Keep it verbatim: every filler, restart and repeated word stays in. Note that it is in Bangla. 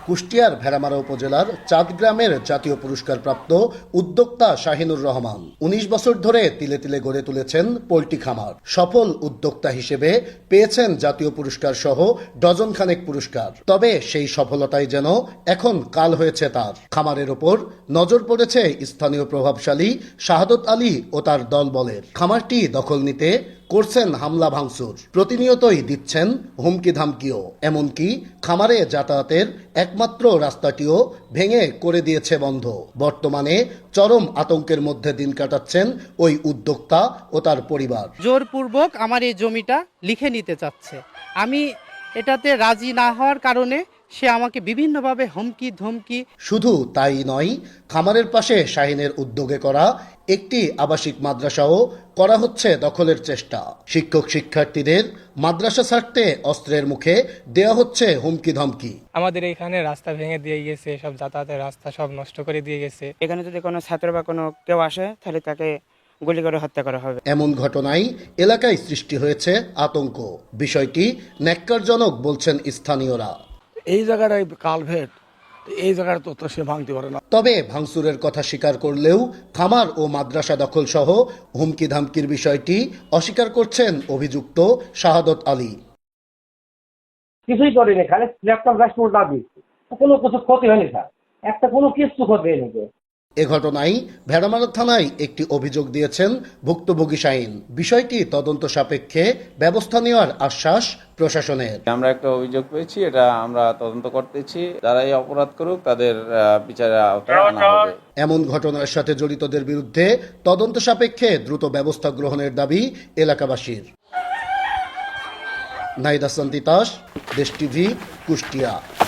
কুষ্টিয়ার ভেড়ামারা উপজেলার চাঁদগ্রামের জাতীয় পুরস্কারপ্রাপ্ত উদ্যোক্তা শাহিনুর রহমান উনিশ বছর ধরে তিলে তিলে গড়ে তুলেছেন পোল্ট্রি খামার। সফল উদ্যোক্তা হিসেবে পেয়েছেন জাতীয় পুরস্কার সহ ডজন খানেক পুরস্কার। তবে সেই সফলতাই যেন এখন কাল হয়েছে তার। খামারের ওপর নজর পড়েছে স্থানীয় প্রভাবশালী শাহাদত আলী ও তার দলবলের। খামারটি দখল নিতে করছেন হামলা ভাঙচুর, প্রতিনিয়তই দিচ্ছেন হুমকি ধামকিও। এমনকি খামারে যাতায়াতের একমাত্র রাস্তাটিও ভেঙে করে দিয়েছে বন্ধ। বর্তমানে চরম আতঙ্কের মধ্যে দিন কাটাচ্ছেন ওই উদ্যোক্তা ও তার পরিবার। জোরপূর্বক আমার এই জমিটা লিখে নিতে চাচ্ছে। আমি এটাতে রাজি না হওয়ার কারণে সে আমাকে বিভিন্নভাবে হুমকি ধমকি। শুধু তাই নয়, খামারের পাশে শাহিনের উদ্যোগে করা একটি আবাসিক মাদ্রাসাও করা হচ্ছে দখলের চেষ্টা। শিক্ষক শিক্ষার্থীদের মাদ্রাসা ছাড়তে অস্ত্রের মুখে দেওয়া হচ্ছে হুমকি ধমকি। আমাদের এখানে রাস্তা ভেঙে দিয়ে গেছে, সব যাতায়াতের রাস্তা সব নষ্ট করে দিয়ে গেছে। এখানে যদি কোনো ছাত্র বা কোনো কেউ আসে তাহলে তাকে গুলি করে হত্যা করা হবে। এমন ঘটনায় এলাকায় সৃষ্টি হয়েছে আতঙ্ক। বিষয়টি ন্যাক্কারজনক বলছেন স্থানীয়রা। এই জায়গাটায় কালভেট, এই জায়গাটা তো সে ভাঙতে পারে না। তবে ভাঙচুরের কথা স্বীকার করলেও খামার ও মাদ্রাসা দখল সহ হুমকি ধামকির বিষয়টি অস্বীকার করছেন অভিযুক্ত শাহাদত আলী। কিছুই করেনি, খালি ল্যাপটপ ড্যাশবোর্ড না দিচ্ছে, কোনো কিছু ক্ষতি হয়নি স্যার, একটা কোনো কিছু ক্ষতি হয়নি। এ ঘটনায় ভেড়ামারা থানায় একটি অভিযোগ দিয়েছেন ভুক্তভোগী শাহিন। বিষয়টি তদন্ত সাপেক্ষে ব্যবস্থা নেওয়ার আশ্বাস প্রশাসনের। আমরা একটা অভিযোগ পেয়েছি, এটা আমরা তদন্ত করতেছি। যারা এই অপরাধ করুক তাদের বিচারের আওতায় আনা হবে। এমন ঘটনার সাথে জড়িতদের বিরুদ্ধে তদন্ত সাপেক্ষে দ্রুত ব্যবস্থা গ্রহণের দাবি এলাকাবাসীর। নাহিদ হাসান তিতাস, দেশ টিভি, কুষ্টিয়া।